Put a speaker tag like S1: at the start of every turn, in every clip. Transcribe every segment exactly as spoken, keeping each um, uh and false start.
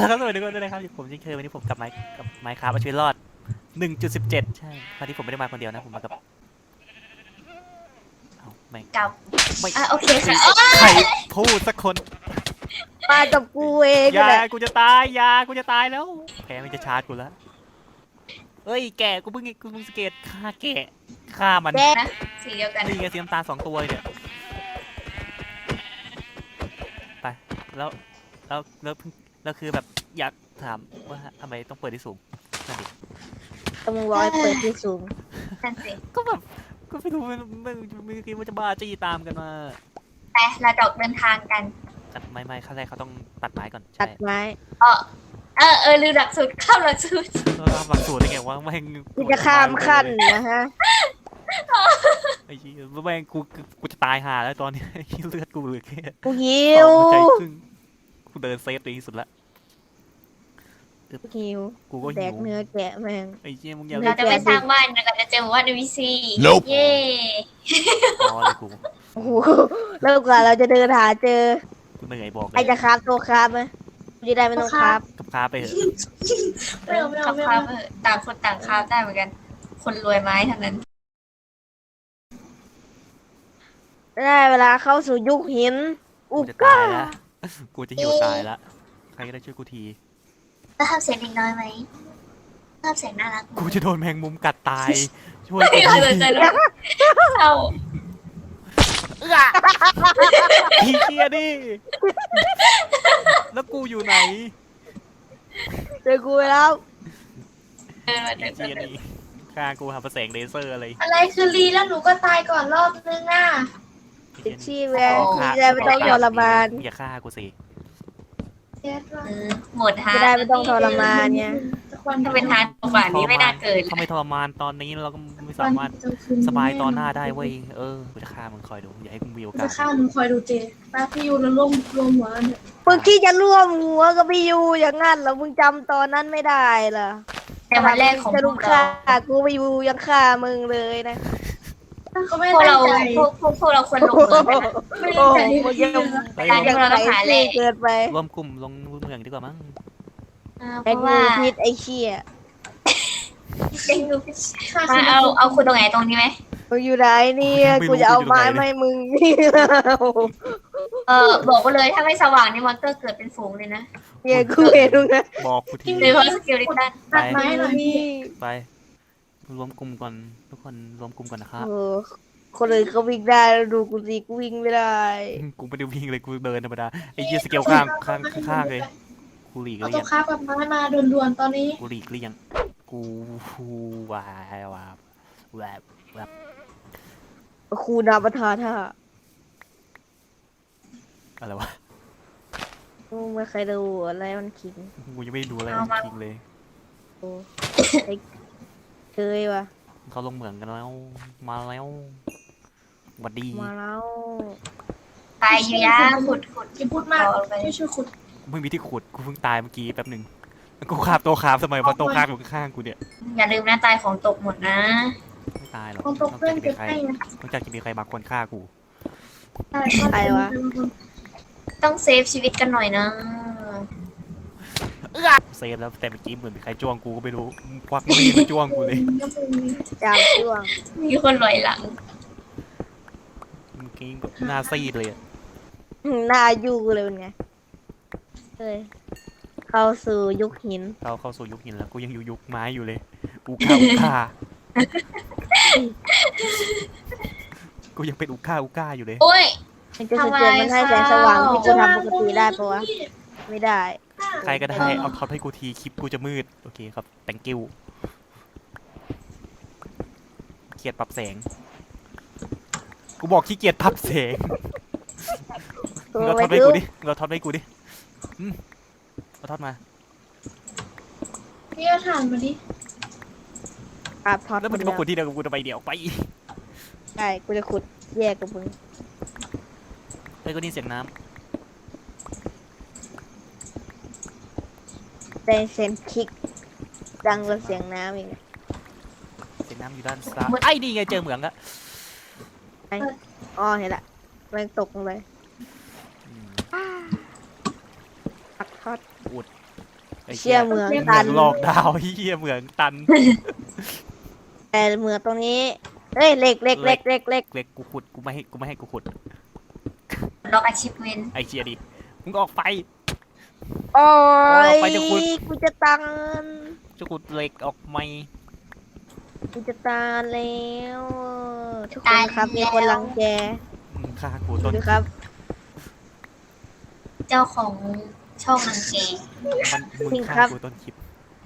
S1: แล้วก็สวัสดีทุกคนด้วยนะครับผมเช่นเคยวันนี้ผมกับไมค์กับไมค์ครับเอาชีวิตรอด หนึ่งจุดสิบเจ็ด ใช่คราวนี้ผมไม่ได้มาคนเดียวนะผมมากับเอาไม่
S2: กับ
S1: ไม่
S2: อ่ะโอเคค่ะ
S1: ใครพูดสักคน
S3: มากับกูเอง
S1: ยา
S3: แหละ
S1: กูจะตายยากูจะตายแล้วแพ้มันจะชาร์จกูแล้วเอ้ยแกกูเพิ่งกูเพิ่งสเกตฆ่าแกะฆ่ามัน
S3: แก
S2: นะสีเดียวกัน
S1: นี่ไงสีน้ำตาลสองตัวเนี่ยไปแล้วแล้วแล้วเพิ่งแล้วคือแบบอยากถามว่าทำไมต้องเปิดที่สูงนั่นดิ
S3: ต้องร้อยเปิดที่สูง
S2: นั่นสิ
S1: ก็แบบก็ไม่รู้มันมันไม่คิดว่าจะบ้าจี้ตามกันมา
S2: ไปเราจะออกเดินทางกัน
S1: ตัดไม้ไม้ขั้นแรกเขาต้องตัดไม้ก่อน
S3: ตั
S1: ใช่
S3: ดไม้
S2: เออเออเออลืมหลักสูตรเข้าหลักสูตร
S1: เราทำหลักสูตรได้ไงวะแม่ง
S3: กูจะข้ามขั้นนะฮะ
S1: ไอ้ชี้ยแม่งกูกูจะตายห่าแล้วตอนนี้เลือดกูเหลือแค่
S3: กูหิ
S1: สอ
S3: ว
S1: งหัวใจครึ่งกูเดินเซฟตัวเองที่สุดละ
S3: กูหิว
S1: กูก็
S3: แด
S1: หิ
S3: ก
S1: ว
S3: เนื้อแกะแม่ง
S1: ไอ้เจี้ยมึงอย่า
S2: เราจะไปสร้างบ้านเราก็จะเจอหมู่บ้านในวีซี
S4: Nope
S2: เย่
S1: อ๋อเลยกู
S3: โอ้โหแล้วกว่าเราจะเดินหาเจอ
S1: กูเหนื่อยบอกเล
S3: ใคร
S1: ย
S3: จะคราบตัวคราบไหมกูจะได้ไม่ต้องคราบ
S1: กับค้าไปเถอะ
S2: ไม่เอาไม่เอาไม่เอาต่างคนต่างคราฟได้เหมือนกัน คนรวยไม้เท่านั้น
S3: ได้เวลาเข้าสู่ยุคหิน อุ
S1: กูจะ
S3: ก้า
S1: ตายละกูจะหิวตายละใครก็ได้ช่วยกูที
S2: แล้วทำเสียงเด็กน้อยไหมทำเสียงน่ารัก
S1: กูจะโดนแมงมุมกัดตาย ช่วยกู
S2: ไม่เราสนใจ
S1: ที
S2: แล้วเอา
S1: ไอ้เจี้ยดิแล้วกูอยู่ไหน
S3: เจอกูไปแล้ว
S2: เดินมา
S1: ไอ้
S2: เดิน
S1: เจี้ย
S2: มา
S1: นี่ฆ่ากูหาประแสงเลเซอร์อะไร
S5: อะไรคือรีแล้วหนูก็ตายก่อนรอบนึงอ่ะ
S3: ติดชีแวนที่จะไม่ต้องทรมาน
S1: อย่าฆ่ากูสิ
S5: เจ็ดว่า
S2: เออหมดฮะ
S3: จะได้ไม่ต้องทรมานเนี่ย
S2: ถ้าเป็นฮาร์ดกว่านี้ไม่น่าเกิด
S1: ถ้าไม่ทรมานตอนนี้เราก็ไม่สามารถสบายตอนหน้าได้เว้ยเออกูจะฆ่ามึงคอยดูอย่าให้มึงมีโอกา
S5: จะ
S1: ส
S5: ฆ่าหนูคอยดูเจป้าพี่ยูแล้วร่วมรวมหัวกันเถอะ
S3: มึงที่จะร่วมหัวกับพี่ยูอย่างงั้นเหรอมึงจำตอนนั้นไม่ได้เหรอ
S2: แต่วันแรกของ
S3: จะ
S2: พ
S3: ลุ
S2: ว
S3: ก
S2: กเรา
S3: ฆ่ากูพี่ยูยังฆ่ามึงเลยนะ
S5: เขาไม่
S2: พวก
S5: ตั้
S2: เรา
S5: งใจ
S2: พวกพวกพวกเราควรลงมือกันนะ
S5: ไม่
S3: โอ้
S5: ตั้ง
S3: โห
S5: ใจ
S3: ยัง
S2: การที่เราต้องหาแหล่
S3: เกิดไป
S1: รวมกลุ่มลงเมืองดีกว่ามั้ง
S2: อ่าเพ
S3: ไอ้
S2: ราะ
S3: กู
S2: ว่า
S3: พิษไอ้เชี่ย
S5: ฆ่า
S2: มาเอาเอาคุณตรงไหนตรงนี้ไหม
S3: มึงอยู่ไหนเนี่ยกูจะเอาไม้มาให้มึงนี่
S2: เออบอกไปเลยถ้าไม่สว่างนี่มอนเตอร์เกิดเป็นฝูงเลยนะ
S3: เนี่ยกูเห็นมึงนะ
S1: บอกกูที
S2: โดยเฉพาะสกิลลิตัน
S5: ตัดไม้หน่อยพี่
S1: ไปรวมกลุ่มก่อนทุกคนรวมกลุ่มก่อนนะครับ
S3: โอ้คนอื่นเขาวิ่งได้แล้วดูกูสิกูวิ่งไม่ได้
S1: กูไม่ได้วิ่งเลยกูเดินธรรมดาไอ้เหี้ยสเกลข้างข้างข้างเลยกูหลีก
S5: เอา
S1: เลี่
S5: ตั
S1: ยว ง
S5: ค้ากับไม้มาด่วนๆตอนนี้
S1: กูหลีกเลี่ยงกูวายวาแวบแวบ
S3: ครูนาประธานท่า
S1: อะไรวะ
S3: มึงไม่เคยดูอะไรมันคิง
S1: กูยังไม่ได้ดูอะไรจริงเลย
S3: โอ้ไอ้เคยว่ะ
S1: เขาลงเหมืองกันแล้วมาแล้วหวัดดี
S3: มาแล้ว
S2: ไปอยู่ยาขุดขุด
S5: อย่าพูดมากไม่ช่วยขุด
S1: ไม่มีที่ขุดกูเพิ่งตายเมื่อกี้แป๊บหนึ่งกูคาบโตคาบสมัยพอโตคาบอยู่ข้างๆกูเนี่ย
S2: อย่าลืมนะตายของตกหมดนะ
S1: ไม่ตายหรอก
S5: ของตกเพื่อนเก็บให้นะ
S1: นอกจากจะมีใครบางคนฆ่ากู
S3: ใครวะ
S2: ต้องเซฟชีวิตกันหน่อยนะ
S1: เซฟแล้วแต่เมื่อกี้เหมือนมีใครจ้วงกูก็ไม่รู้ควักมีดมาจ้วงกูเลย
S3: จามช่วง
S2: มีคนลอยหลัง
S1: เมื่อกี้แบบหน้าซีดเลยอะ
S3: หน้ายู่เลยเป็นไงเฮ้ยเข้าสู่ยุคหิน
S1: เราเข้าสู่ยุคหินแล้วกูยังอยู่ยุคไม้อยู่เลยอูค่าอูค่ากูยังเป็นอูค่าอูค่าอยู่เลย
S2: โอ้ย
S3: มันจะสะเก็ดมันให้แสงสว่างที่กูทำปกติได้ปะวะไม่ได้
S1: ใครก็ได้เอาท็อปให้กูทีคลิปกูจะมืดโอเคครับ thank you เกียดปรับแสงกูบอกขี้เกียจปรับแสง
S3: ตัว
S1: เรา
S3: ไป
S1: ท็อปให้
S3: ดู
S1: กูดิเราท็อปให้กูดิอืมเราท็อปมา
S5: พี่เอาถ่านมาดิ
S3: อาบทอด
S1: แล้วมันจะมาขุดที่เดียวกับกูทำไมเดี๋ยวไป
S3: ใช่กูจะขุดแยกกับมึง
S1: เฮ้ยก็นี่เสียงน้
S3: แต่เซนคลิกดังกว่าเสียงน้ำอีก
S1: ำเสียงน้ำอยู่ด้านซ้ายไอ้นี่ไงเจอเหมืองละ
S3: อ๋อเห็นละแรงตกลงเลย
S1: อืม
S3: ปักทอด
S1: อุดไอ้
S3: เชี่ยเหมือง
S1: เหมื
S3: ตั
S1: อน งหลอกดาวเฮียเหมืองตัน
S3: แต่เหมืองตรงนี้เฮ้ยเหล็กเหล็กเหล็กเหล็กเหล็ก
S1: เล็กกูขุดกูไม่ให้กูไม่ให้กูขุด
S2: ล็อกอาชีพเวน
S1: ไอ้เชียดิมึงออกไป
S3: โอ้ย
S1: ไปจะขุด
S3: กูจะตัน
S1: จะขุดเหล็กออกไหม
S3: กูจะตายแล้วทุกคนครับมีคนรังแก
S1: มึงฆ่ากู
S3: ดู
S1: ต้น
S3: ดิครับ
S2: เจ้าของช่องนังเก
S1: มันมึง
S3: จริงครั
S1: ฆ่า
S3: บ
S1: กูต้นคลิป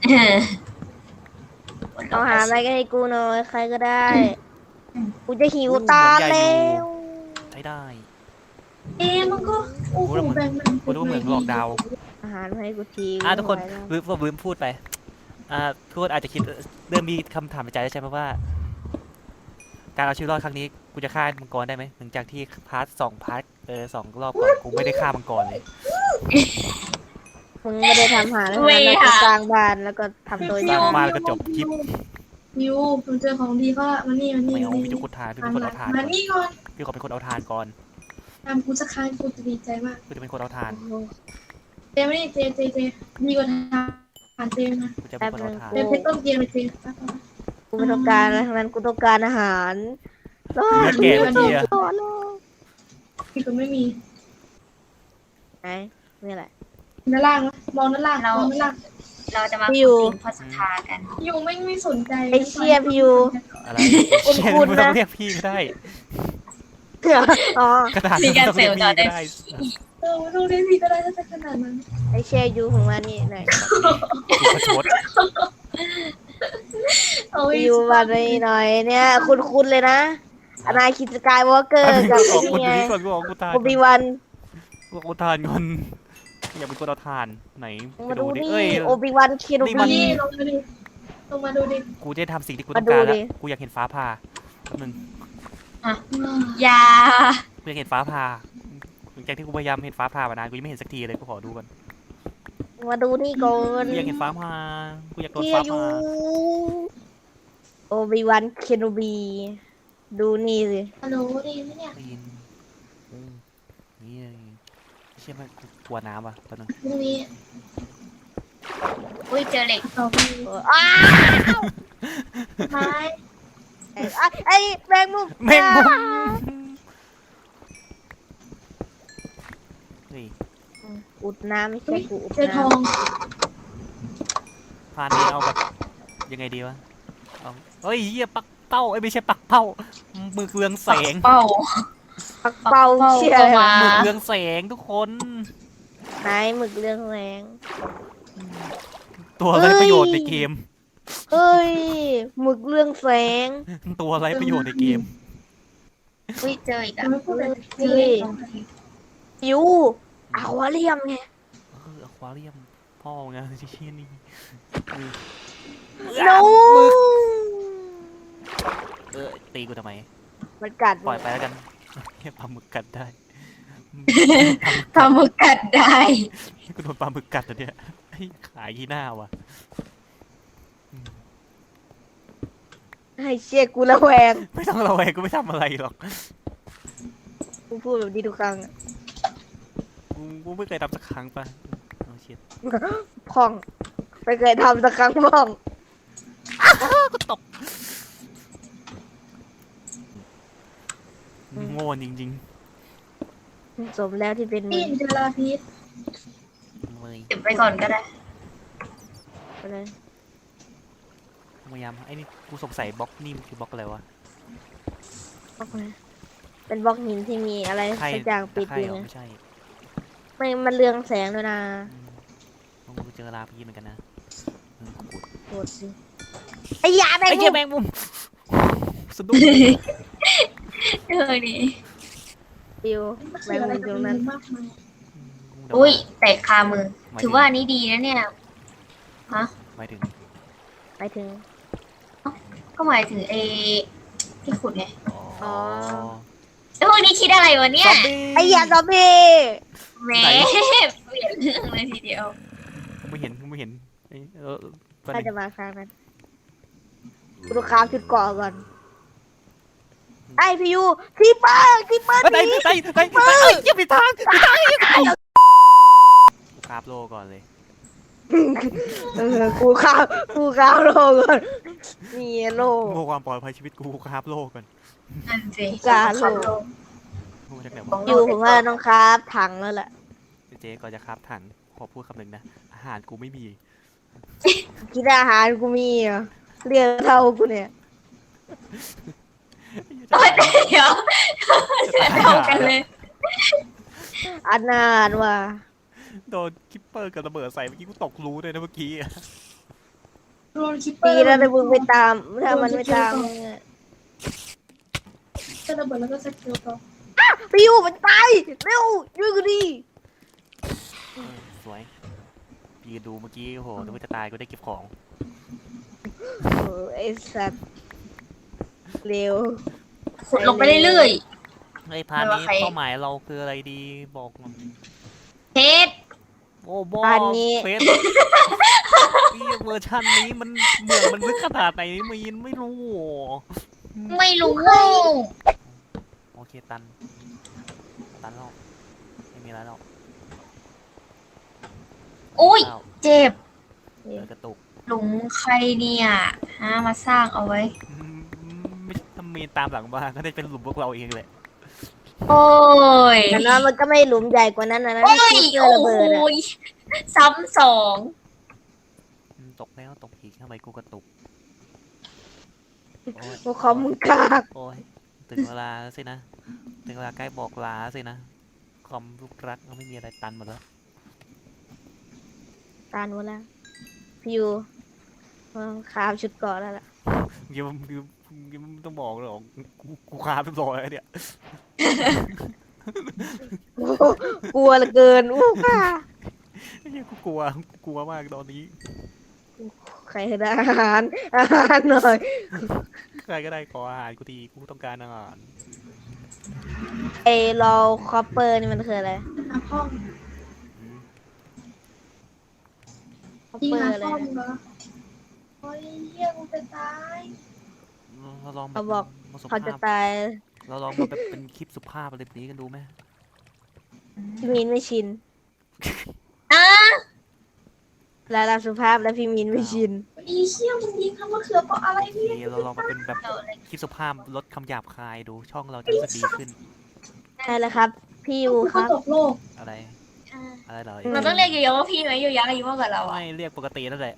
S3: เอาหาอะไรก็ให้กูหน่อยใครก็ได้ กูจะหิวตายแล้ว
S1: ใช้ได้
S5: เอ๊ะมันก็โอ้โหแบ่งมัน
S1: กูรู้ว่าเหมือนหลอกดาว
S3: อาหารมาให้กูที
S1: อ่ะทุกคน
S3: ไม่ไหวแล้ว
S1: ลืมผมลืมพูดไปอ่าทุกคนอาจจะคิดเริ่มมีคำถามในใจแล้วใช่ไหมว่า การเอาชีวิตรอดครั้งนี้กูจะฆ่ามังกรได้ไหมหลังจากที่พาร์ทสองพาร์ทเออสองรอบก่อนกูไม่ได้ฆ่ามังกรเลย
S3: มึงไม่ได้ทำหาแล้วนะแล้วก็สร้างบ้านแล้วก็ทำตัว
S1: ส
S3: อ
S1: ร้า
S3: ย่าง ง
S1: บ้านแล้วก็จบคลิป
S5: ยูผมเจอของดีก็มานี่มานี่
S1: ไม่เอา
S5: มา
S1: พี่
S5: นี่
S1: จะขุดทานพี่เป็นคนเอาทานก่
S5: มา
S1: อน
S5: นี่ก่อน
S1: พี่ขอเป็นคนเอาทานก่อน
S5: ทำกูสักครั้งกูจะดีใจมาก
S1: กูจะเป็นคนเอาทาน
S5: เจมานี่เจเจเจดีกว่าทานเจนะ
S1: กูจะเป็นคนเอาทาน
S5: เจเพชรต้มเกมเลยเจ
S3: กูไม่ต้องการอะไรทั้งนั้นกูต้องการอาหารรอ
S1: เนื้อแก่เมื่อกี้อะ
S3: รอรอ
S5: มีคนไม่มี
S3: ไหนนี่แหละ
S5: ด้านล่างนะมองด้านล่างมองด้านล่าง
S2: เราจะมา
S3: พี่อยู่
S2: คุยพอสทากัน
S5: ยูไม่ไม่สนใจ
S3: ไอ้เชี่ยพี่ยู
S1: อะไร
S3: คุณ
S1: เชี่ย
S3: คุณ
S1: ไม่ต้อง
S3: นะ
S1: เรียกพี่ก็ได้
S3: อ๋อก
S1: ระดาษ
S2: มี
S1: ไม่
S2: การ
S1: ต้อง
S2: เสริ
S1: เรีย
S2: ม
S1: ก
S2: ต่อ
S1: พี่
S2: ได้
S1: ก็ได้
S5: เออดูดิพี่ก็ได้ถ้าจะขนาดนั้น
S3: ไอ้เชี่ยยูของมันนี่หน่อย
S1: กูประชด
S5: โอ้ย
S3: ยูมาหน่อยหน่อยเนี่ยคุณคุณเลยนะอนาคิดสกายวอล์กเกอร์กับ
S1: ขอ
S3: ไอ้
S1: คน
S3: นี่ไง
S1: นี้ก่อนกูบอกกูทาน
S3: โอบิวัน
S1: กูบอกกูทานก่อนอยากเป็นคนเอาทานไหนไป
S3: มา
S1: ดู
S3: ดู
S1: ดิ
S3: นี่
S1: เอ้ย
S3: โอบิวันเคโน
S1: นี่มัน
S3: บี
S5: นี่ลงมาดิลงมาดูดิ
S1: กูจะทำสิ่งที่กูต้องการ
S3: มาดู
S1: แล้ว
S3: ดิ
S1: กูอยากเห็นฟ้าผ่าแป๊บนึง
S2: ยา
S1: กูอยากเห็นฟ้าผ่าหลังจากที่กูพยายามเห็นฟ้าผ่ามานานกูยังไม่เห็นสักทีเลยกูขอดูก่อน
S3: มาดูนี่ก่อน
S1: กูอยากเห็นฟ้าผ่ากูอยากโดน
S3: เฮีย
S1: ฟ้า
S3: ยู
S1: ผ่า
S3: โอบิวันเคโนบีดูนี่สิ
S5: ฮัลโหลดีไหมเนี่ย
S1: ได้ยินอืมนี่เชื่อไหมกูกลัวน้ำอ่ะตอนนึง
S5: พรุ่งนี้
S2: อุ้ยเจอเหล็ก
S5: ต่อไป
S3: เอออ้าว
S5: ไม้
S3: ไอ้ไอ้แมงมุม
S1: แม่งมุมเฮ้ย
S3: อุดน้ำไม่ใช่กูอุด
S5: เจอทอ
S3: น้
S5: ง
S1: พานนี้เอาแบบยังไงดีวะเอาเฮ้ยเหี้ยปักเป้าไอ้ยไม่ใช่ปักเป้ามือเรืองแสง
S2: เป้า
S3: ำปักเป่าเชี่ยอะไรวะ
S2: ปักเป้า
S1: มือเรืองแสงทุกคน
S3: ไหนหมึกเรื่องแรง
S1: ตัวอะไรประโยชน์ในเกม
S3: เฮ้ยหมึกเรื่องแสง
S1: ตัวอะไรประโยชน์ในเกม
S2: อุ้ยเจออีก
S5: จะ
S2: อ่ะ
S5: ไม่พูดเลย
S3: ยูอควาเรียมไง
S1: เอออควาเรียมพ่อไงเชี่ยนี่
S3: โน
S1: เออตีกูทำไม
S3: มันกัด
S1: ปล่อยไปแล้วกันแค่ปลาหมึกกัดได้
S2: ปลาหมึกกัดได้
S1: กูโดนปลาหมึกกัดแล้วเนี่ยไอ้ขายที่หน้าว่ะ
S3: ให้เชี่ยกูระแวง
S1: ไม่ต้องระแวงกูไม่ทำอะไรหรอก
S3: กูพูดแบบนี้ทุกครั้งอะ
S1: กูกูไม่เคยทำสักครั้งปะเอาเชีย
S3: พ่องไม่เคยทำสักครั้งพ่อง
S1: กูตกโง่จริง
S3: สมแล้วที่เป็นมึ
S5: นี่
S3: ง
S5: เจอลาพีส
S1: ๆเลย
S2: เก็บไปก่อนก็ได้
S3: ไปเลย
S1: พยายามไอ้นี่กูสงสัยบล็อกนี่มันคือบล็อกอะไรวะ
S3: บล็อกเลยเป็นบล็อกหินที่มีอะไร
S1: ใคร
S3: สักอย่างปิด
S1: ใคร
S3: อยู่
S1: เหรอ
S3: นะ
S1: ไม่ใช่
S3: ไม่มันเรืองแสงด้วยนะ
S1: อืมกูเจอลาพีเหมือนกันนะเออกู
S3: โหดสิไอ้ยาแมง
S1: ไอ้
S3: มุ
S1: เหี้ย
S3: ม
S1: แมงมุมสะดุ้ง
S2: เออดี
S3: ปิว
S5: มัน
S3: แม
S5: คือง อะไร
S3: มุม
S5: กั
S3: ต
S5: บ
S3: รง
S5: มั
S3: นั้น
S5: นมากมาย
S2: อุ้ยแตกคามือ
S1: หมย
S2: ถือว่าอันนี้ดีนะเนี่ย ฮะ
S1: หมายถึง
S3: ไปถึง
S2: ก็หมายถึงเอที่ขุดไง
S1: อ๋อ
S2: แล้วพวกนี้คิดอะไรวะเนี่ย
S1: ซอมบี้
S3: ไอ้ยาซอมบี้
S2: แหมเปลี่ยนเรื่องเลยทีเดียว
S1: กูไม่เห็นกูไม่เห็นไอ้เออแป๊บ
S3: ถ้า
S1: นึ
S3: จะ
S1: ง
S3: มาครั้งนั้นกูต้องค้าชุดเกาะก่อนไอ้พี่ยูคีเปอร์คีเปอร์
S1: ไป
S3: หนี
S1: ไปไปไปไปเอ้ยอย่าไปทางไปทางกูคราบโลก่อนเลย
S3: เออกูข้าวกูข้าวโลก่อนมีโล
S1: โง่ความปลอดภัยชีวิตกูคราบโลกก่อน
S2: นั่นสิ
S3: กาโล
S1: โง่จากไหน
S2: ข
S1: วะ
S2: อง
S3: อยู่ผมว่าต้องครับถังแล้วแหละ
S1: เจ๊ก่อนจะคราบถังขอพูดคำหนึ่งนะอาหารกูไม่มี
S3: กินอาหารกูมีเหรอเรียกเท่ากูเนี่ย
S2: เอ้ยเดี๋ยวเท่ากันเลย
S3: อันนานว่ะ
S1: โดนคิปเปอร์กับระเบิดใส่เมื่อกี้กูตกรูเลยนะเมื่อกี้อะ
S5: โดนคิปเปอ
S3: ปี
S5: ร์
S3: แล้วแต่มึงไปตามถ้ามันไม่ตามมึงอะ
S5: จะระเบิดแล้วก็สกิลต่อ
S3: พี่อยู่มันตายเร็วช่วยกูดิ
S1: เออสวยปีดูเมื่อกี้โอ้โหนึกว่าจะตายกูได้เก็บของ
S3: โอ้ไอ้สัตว์เร็ว
S2: ขุดลงไปเรื่อย
S1: ไอ้พาร์ทนี้
S2: ไม่ว่าใคร
S1: เป้าหมายเราคืออะไรดีบอกมา
S2: ๆเพชร
S1: โอ้บอ
S3: พาร์ทนี้
S1: เฟสพี่เวอร์ชันนี้มันเหมืองมันลึกขนาดไหนมีนไม่รู้
S2: ไม่รู้
S1: โอเคตันตันแล้วไม่มีอะไรแล้ว
S2: อุ้ย
S1: อ้าว
S2: เจ็บ
S1: เออกระตุก
S2: หลุมใครเนี่ยหามาสร้างเอาไว้
S1: อืมไม่ถ้ามีนตามหลังมาก็ได้เป็นหลุมพวกเราเองแหละ
S2: โอ้ย
S3: แต่นั้นมันก็ไม่หลุมใหญ่กว่านั้นนะนะ
S2: โอ้ย
S3: ที่เจอ
S2: โอ้
S3: ระเบิดอะ
S2: ยซ้ำสอง
S1: อืมตกแล้วตกอีกทำไมกูกระตุกโอ้ย
S3: พวกเขามึงกาก
S1: โอ้ยถึงเวลาแล้วสินะถึงเวลาใกล้บอกลาสินะคอมลูกรักก็ไม่มีอะไรตันหมดแล้ว
S3: ตานหมดแล้วพี่อยู่ขาวชุดเก่อนแล้วล่ะ
S1: ยังยังยังไม่ต้องบอกหรอกกูกูคาไปร้อยแล้วเนี่ย
S3: โอ้โหกลัวเหลือเกินอู้ค่ะ
S1: ไอ้เหี้ยกูกลัวกูกลัวมากตอนนี้
S3: ใครได้อาหารอาหารหน่อย
S1: ใครก็ได้ขออาหารกูทีกูต้องการอาหาร
S3: ไอเราคอปเปอร์นี่มันคืออะไร
S5: น้ำห้อง
S1: อืม
S3: คอป
S5: ยิง
S3: เปอร์
S5: น้ำ
S3: อะไร
S5: ห้อง
S3: นะ
S5: เหรอโอ้ยเฮียกูจะตาย
S1: เราลองแบ
S3: เขา
S1: บ
S3: บอก
S1: มาสุ
S3: เขาจะ
S1: ภาพ
S3: ตาย
S1: เราลองมาแบบเป็นคลิปสุภาพอะไรแบบนี้กันดูไหม
S3: พี่มินไม่ชิน
S2: อ่ะ
S3: แล้วเราสุภาพแล้วพี่มินไม่ชิน
S5: อีเชี่ยมึงยิงทำมะเขือเปราะอะไรเนี่ย
S1: นี่เราลองมาเป็นแบบ
S2: เอาเลย
S1: คลิปสุภาพลดคำหยาบคายดูช่องเราจะรู้สึกดีขึ้น
S3: ใช่แล้วครับ พี่ยู
S5: กู
S3: ค
S5: เขา
S3: รับ
S5: ตกโลก
S1: อะไร
S2: อ่ะ
S1: อะไรเหรอ
S2: เราต้องเรียกเยอะๆว่าพี่ไหมเยอะๆอายุมากกว่าเราอ่ะ
S1: ไม่เรียกปกตินั่นแหละ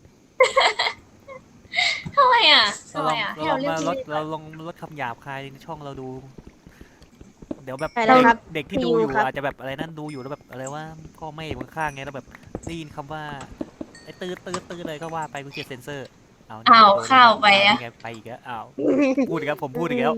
S2: ทำไมอ่ะ
S1: เรา
S2: ทำ
S1: ล
S2: ไม
S1: อง
S2: อ่ะ
S1: เรา
S2: ให้
S1: ล
S2: เรา
S1: อง
S2: เรียก
S1: มาลดเราลองลดคำหยาบคายในช่องเราดู เดี๋ยวแบบ
S3: ใช่แล้วครับ
S1: เด็กที่
S3: พี่
S1: ดู
S3: ยู
S1: อยู่
S3: ครับ
S1: อาจจะแบบอะไรนั่นดูอยู่แล้วแบบอะไรว่าพ่อแม่อยู่ข้างๆไงแล้วแบบได้ยินคำว่าไอ้ตื้อตื้อตื้อเลยก็ว่าไปกูเขียนเซนเซอร์เอา
S2: อ้าว
S1: โดน
S2: เข้าไปอ่ะ
S1: ไงไปอีกแล้วอ้าวพูดอีกแล้วผมพูดอีกแล้ว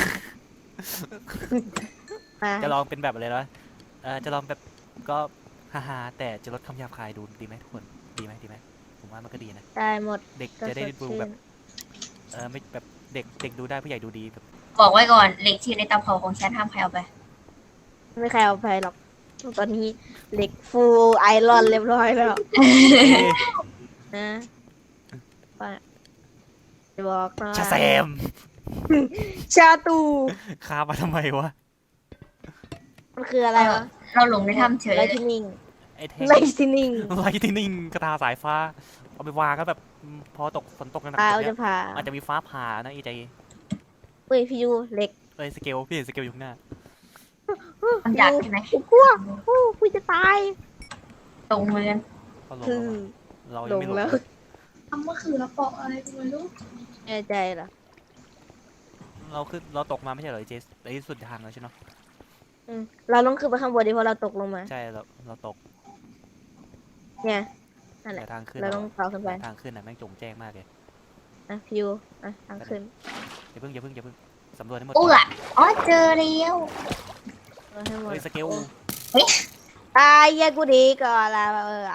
S3: มา
S1: จะลองเป็นแบบอะไรนะเออจะลองแบบก็ฮ่าๆแต่จะลดคำหยาบคายดูดีไหมทุกคนดีไหมดีไหมผมว่ามันก็ดีนะ
S3: ได้หมด
S1: เด็ก
S3: ก็
S1: จะได้
S3: สด
S1: ดู
S3: ชื่
S1: แบ
S3: น
S1: บเออไม่แบบเด็กเด็กดูได้ผู้ใหญ่ดูดีแบบ
S2: บอกไว้ก่อนเหล็กที่อยู่ในเตาเผาของฉันห้ามใครเอาไป
S3: ไม่ใครเอาไปหรอก ตอนนี้เหล็กฟูลไอรอนเรียบร้อยแล้ว
S1: เอ๊ะ
S3: นะว่าจะบอกหน่อย
S1: ชาแซม
S3: ชาตู
S1: คามาทำไมวะ
S3: มันคืออะไรวะ
S2: เราหลงในถ้ำเฉย
S3: ไล
S2: เลย
S3: ท์นิ่ง
S1: ไอ้แท่ง
S3: ไลท์นิ่ง
S1: ไลท์นิ่งกระตาสายฟ้า เอาไปวางก็แบบอืมพอตกฝนตกหนัก
S3: ปลา
S1: ๆ
S3: เอา
S1: แบบเนี้
S3: จะ
S1: ย
S3: ผ่า
S1: อาจจะมีฟ้าผ่านะไอ้ใจ
S3: เฮ้ยพี่ยูเหล็ก
S1: เอ้ยสเกลพี่เห็นสเกลอยู่ข้างหน้า
S2: มันอยากใช่ไหม
S3: กูกลัวกูกูจะตาย
S2: ตรงมือกัน
S1: เขาลง
S3: คือ
S1: แล้วอะเรา
S3: ล
S1: ยัง
S3: ง
S1: ไม่ลง
S3: แล้ว
S1: เลย
S5: ทำมะเขือเปราะอะไรกูไม่รู้
S3: แน่ใจเหรอ
S1: เราขึ้นเราตกมาไม่ใช่เหรอไอ้เจสไอ้สุดทางแล้วใช่ไหม
S3: อืมเราต้องขึ้นไปข้างบนดิเพราะเราตกลงมา
S1: ใช่เราเราตก
S3: เนี่ย นั่นแหละ
S1: แต่ทางขึ้น
S3: เราต้องต่อขึ้นไป
S1: ทางขึ้นน่ะแม่งจงแจ้งมากเลย
S3: อ่ะพี่ยูอ่ะทางขึ้น
S1: อย่าเพิ่งอย่าเพิ่งอย่าเพิ่งสำรวจให้หมด
S2: อู้อ่ะอ๋อเจอแล้ว
S3: เอาให้หมด
S1: เฮ้ยสเกล
S3: ตายแยกกูดีก่อนละเออ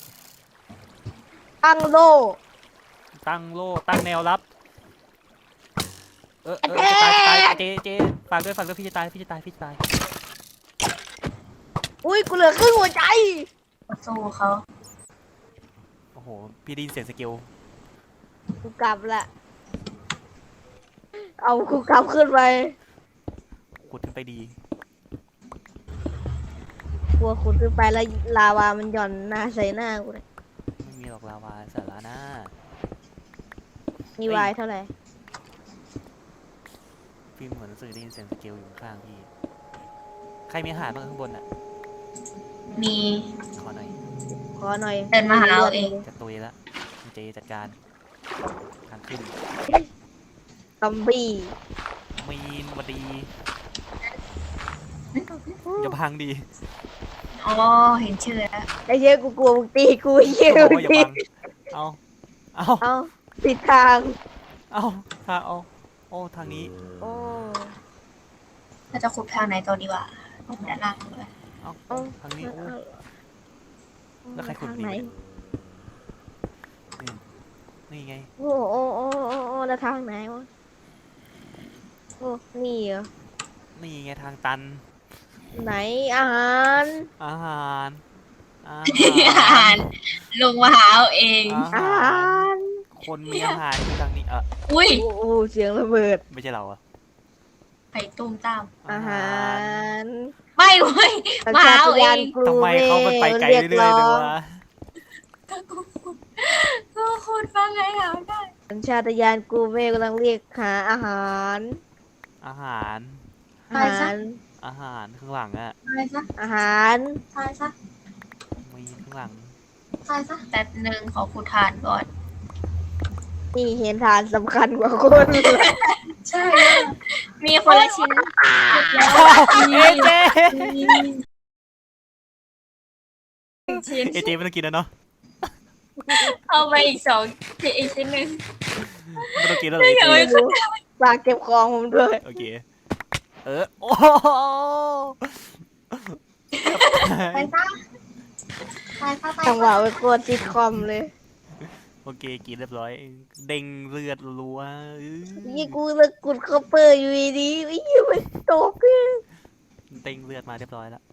S3: ตั้งโล
S1: ตั้งโล่ตั้งแนวรับ เออเออจะตายจะตายเจเจฝากด้วยฝากด้วยพี่จะตายพี่จะตายพี่จะตาย
S3: อุ้ยกูเหลือครึ่งหัวใจ
S2: มาสู้เขา
S1: โอ้โหพี่ได้ยินเสียงสเกล
S3: กูกลับละ เอากูกลับขึ้นไป
S1: ขุดขึ้นไปดี
S3: กลัวขุดขึ้นไปแล้วลาวามันหย่อนหน้าใส่หน้ากูเลย
S1: อกลาวาสาระหน้า
S3: มีวายเท่าไหร่
S1: พี่เหมือนรู้สึกได้ยินเสียงสเกลอยู่ข้างพี่ ใครมีอาหารบ้างข้างบนอ่ะ
S2: มี
S1: ขอหน่อย
S3: ขอหน่อย
S2: เดินมาหาเอาเอง
S1: จะตุยละคุณเจจัดการทางขึ้น
S3: ซอมบี้
S1: มีนวัดดีอย่าพังดี
S2: อ๋อเห็นชื่อแล้ว
S3: ไอ้เหี้ยกูกลัวมึงตีกูไอ้เหี้ย
S1: เขาบอก
S3: มึ
S1: ว่าง อย่า
S3: ตี
S1: พัง เอาเอา
S3: เอาผิดทาง
S1: เอาทางเอาโอ้ทางนี้
S3: โอ้
S2: เราจะขุดทางไหนต่อดีวะด้านล่างเลย
S1: เอา
S3: เอา
S1: ทางนี้โอ้
S3: เอา
S1: แล้วใครขุด
S3: ทาง
S1: ดี
S3: ไหน
S1: นี่นี่ไง
S3: โอ้โอ้โอ้โอ้โอ้แล้วทางไหนวะโอ้นี่เหรอ
S1: นี่ไงทางตัน
S3: ไหนอาหาร
S1: อาหารอา
S2: อา
S1: หา
S2: หาร รลงมาหาเอาเอง
S1: อา
S3: อา
S1: หา
S3: หาร ร
S1: คนมีอาหารคือทางนี้เออ
S2: อุ้ย
S3: โอ้โอ้เสียงระเบิด
S1: ไม่ใช่เราอะ
S2: ไข่ตุ้มตาม
S3: อาหาร
S2: ไม่เว้ย
S3: สัญ
S2: มา
S3: ชา
S2: เอา
S3: ต
S2: เอ
S3: ญาณ
S2: ง
S3: กรู
S1: ทำไมเขามันไปไกล
S3: รี
S1: เรื่อยๆเลยวะ
S2: ก็กูขุดก็ขุดว่าไงหาได้
S3: สัญชาตญาณกูเมกำลังเรียกหาอาหาร
S1: อาหาร
S3: อาหาร
S1: อาหารข้างหลังอะ
S2: ตายซะ
S3: อาหาร
S2: ตายซะ
S1: มีข้างหลัง
S2: ตายซะแป๊บหนึ่งขอขุดทานก่อน
S3: นี่เห็นฐานสำคัญกว่าคน
S2: ใช่มีคนละชิ้นขุดแล้ว
S1: เอเจ
S2: ชิ้น
S1: เอเจไม่ต้องกินแล้วเนาะ
S2: เอาไปอีกสองอีกชิ้นหนึ่ง
S1: ไม่ต้องกินแล้วเลยเอ
S2: เดี๋ยว
S1: เจ
S3: ฝากเก็บของผมด้วย
S1: โอเคเออโอ้
S2: ตายซะตายซะตาย
S3: จังหวะ
S2: ซะ
S3: เป็นโคตรซิทคอมเลย
S1: โอเคกินเรียบร้อย เด้งเลือดรัวอื้อ
S3: นี่กูเลยกุดคอปเปอร์อยู่ดีๆไอ้ยี่มันตกเลย
S1: เด้งเลือดมาเรียบร้อยแล้ว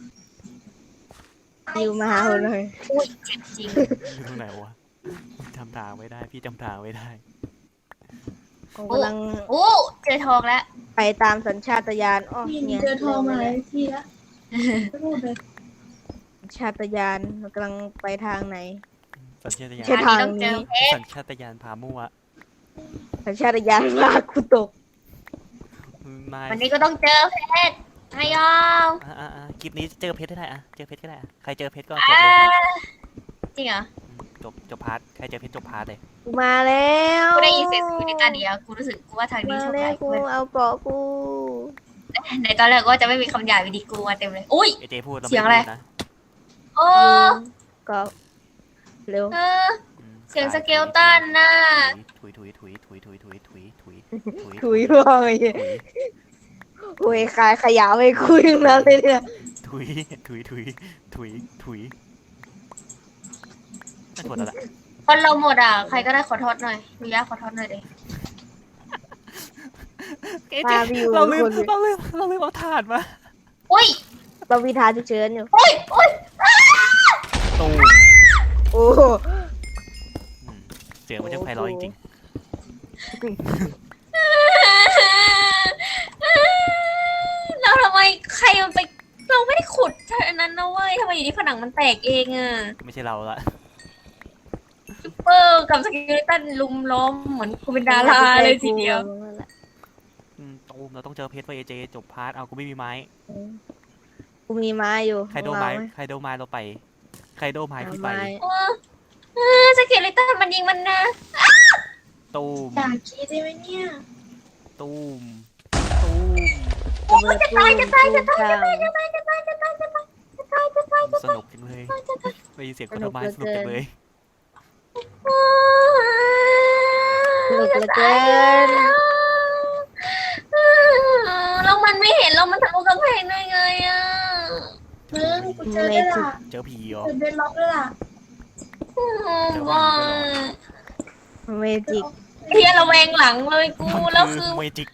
S3: อยู่มาหาผมเลย
S2: อุ้ยเจ็บจริง
S1: อยู่ตรงไหนวะจำทางไม่ได้พี่จำทางไม่ได้
S3: ผมกำลัง
S2: โอ้เจอทองแล้ว
S3: ไปตามสัญชาตญาณอ๋อ
S5: นี่
S3: เนี่ย
S5: เจอทองมาหลายทีแล้วพูดเลย
S3: สัญชาตญาณมันกำลังไปทางไหน
S1: สัญชาตญาณ
S3: ใช่ ทาง
S2: ต้องเจอเพชร
S1: สัญชาตญาณพามั่ว
S3: สัญชาตญาณลากกูตก
S1: นาย
S2: วันนี้ก็ต้องเจอเพชรไม่ยอม
S1: อ่ะอ่ะอ่ะคลิปนี้เจอเพชรได้อะเจอเพชรก็ได้อะใครเจอเพชรก็จบ
S2: อ่า
S1: เลย
S2: จริงเหรอ
S1: จบจบพาร์ทใครเจอเพชรจบพาร์ทเลย
S3: กูมาแล้ว
S2: กูได้ยินเสียงสวิตตาเดียวกูรู้สึกกูว่าทางนี้
S3: มา
S2: โชค
S3: แล้ว
S2: ร้าย
S3: กู
S2: กู
S3: เอาเกาะกู
S2: ในตอนแรกก็จะไม่มีคำหยาบวิดีกูมาเต็มเลยอุ้ย
S1: เอเจพูดเรา
S2: เสียง
S1: ไม่
S2: อะไร
S1: พูดนะ
S2: โอ้
S3: เกาะเร็ว
S2: เออ
S1: อืม
S2: เสียงสเกลตันน่ะ
S1: ถุยถุยถุยถุยถุยถุยถุยถุยถุย
S3: ถุยพ่อไอ้
S1: ถุย
S3: โอ้ยขายขยะไม่คุยทั้งนั้นเลยเนี่ย
S1: ถุยถุยถุยถุยถุยนั่นหมดแล้วล่ะ
S2: คนเราหมดอ่ะใครก็ได้ขอโทษหน่อยมียาขอโทษหน่อยดิ
S1: เอเจเราลืมเราลืมเราลืมเอาถาดมา
S2: อุ้ย
S3: เรามีทางฉุกเฉินอยู่
S2: อุ้ยอุ้ย
S1: ตูม
S3: โอ้
S1: อืมเสียงมันจะไพเราะจริง
S2: เราทำไมใครมันไปเราไม่ได้ขุดอันนั้นนะเว้ยทำไมอยู่ที่ผนังมันแตกเองอ่ะ
S1: ๆไม่ใช่เราละ
S2: ซุปเปอร์กับสเกเลตันลุมล้อมเหมือนกูเป็นดาราเลยทีเดียว
S1: อืมตูมเราต้องเจอเพชรไว้เอเจจบพาร์ทเอากูไม่มีไม้
S3: กูมีไม้อยู่
S1: ใครโดนไม้ใครโดนไม้เราไปใครโดนไม้
S3: เอา
S1: พี่ไป
S3: ไม้
S2: เออเออสเกเลตันมันยิงมันนะ
S1: ตูม
S5: อยากคิดได้ไหมเนี่ย
S1: ตูมตูม
S3: โอ้ยจะตายจะตายจะตายจะตายจะตาย
S2: จะตายจะตายจะตายจะตายจะตายจะ
S1: ส
S2: ตาย
S1: นุกจังเลยได้ยินเสียงคนโดนไม้สนุกจังเลย
S3: สนุกเหลือเกิน
S2: แล้วมันไม่เห็นเรามันทะลุกำแพงได้ไงอ่ะ
S5: มึงกูเจอได้ละ
S1: เจอผีเหรอ
S5: เจอเบนล็อกได้ละ
S2: ว้า
S3: เมจิก
S2: เฮียระแวงหลังเลยกูแล้วคือ
S1: เมจิก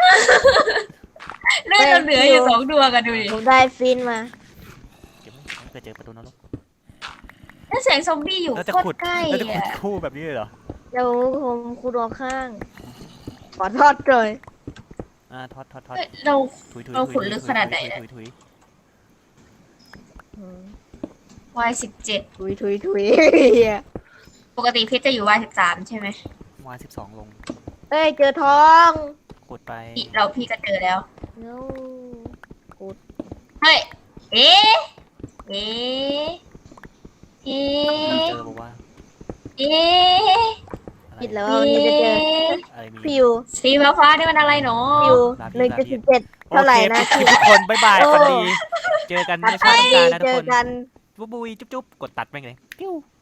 S2: เลือดเราเหลืออยู่สองดวงกันดูดิ
S3: ผมได้ฟินมา
S1: เก็บไว้เผื่อเจอประตูนรก
S2: ถ้าเสียงซอมบี้อยู่
S1: แล้วจะ
S2: โค
S1: ขุ
S2: ต
S1: ด
S2: รใกล้
S1: แล้วจะขุด
S2: อ่ะ
S1: คู่แบบนี้เลยเหรอ
S3: เดี๋ยวผมคูดอข้าง ขอทอดเลย
S1: อ่าทอดทอดทอด
S2: เฮ้ยเรา
S1: ถุยถุย
S2: เราขุดลึกขนาดไหน
S1: ถุยถุย
S3: อืม
S2: วายสิบเจ็ด
S3: ถุยถุยถุยเหี้ย
S2: ปกติเพชรจะอยู่วายสิบสามใช่ไหม
S1: วานสิบสองลง
S3: เอ้ยเจอทอง
S1: ขุดไป
S2: พี่เราพี่ก็เจอแล้ว
S3: โน้
S2: เฮ้ย เอ๊ะ เอ๊ะ เอ๊
S1: เจะ อบอกว่า
S2: เอ๊ะ
S1: อะไร
S3: คิดแล้ว
S2: เอ๊
S3: ว่าวันนี้จะเจอะ
S1: อะไรมี
S3: ฟิว
S2: สีฟ้าๆนี่มันอะไรเนาะ
S3: ฟิวหนึ่งจุดสิบเจ็ดเท่าไหร่นะ
S1: โอเคทุกคนบ๊ายบาย
S3: โอ้
S1: ฝันดี เจอกัน
S3: ตั
S1: ใน
S3: ด
S1: ชา
S3: ไป
S1: ติต้องการนะทุ
S3: เจ
S1: ก
S3: อ
S1: คน
S3: กัน
S1: บุบบุยจุ๊บจุ๊บกดตัดไปเลยปิ้ว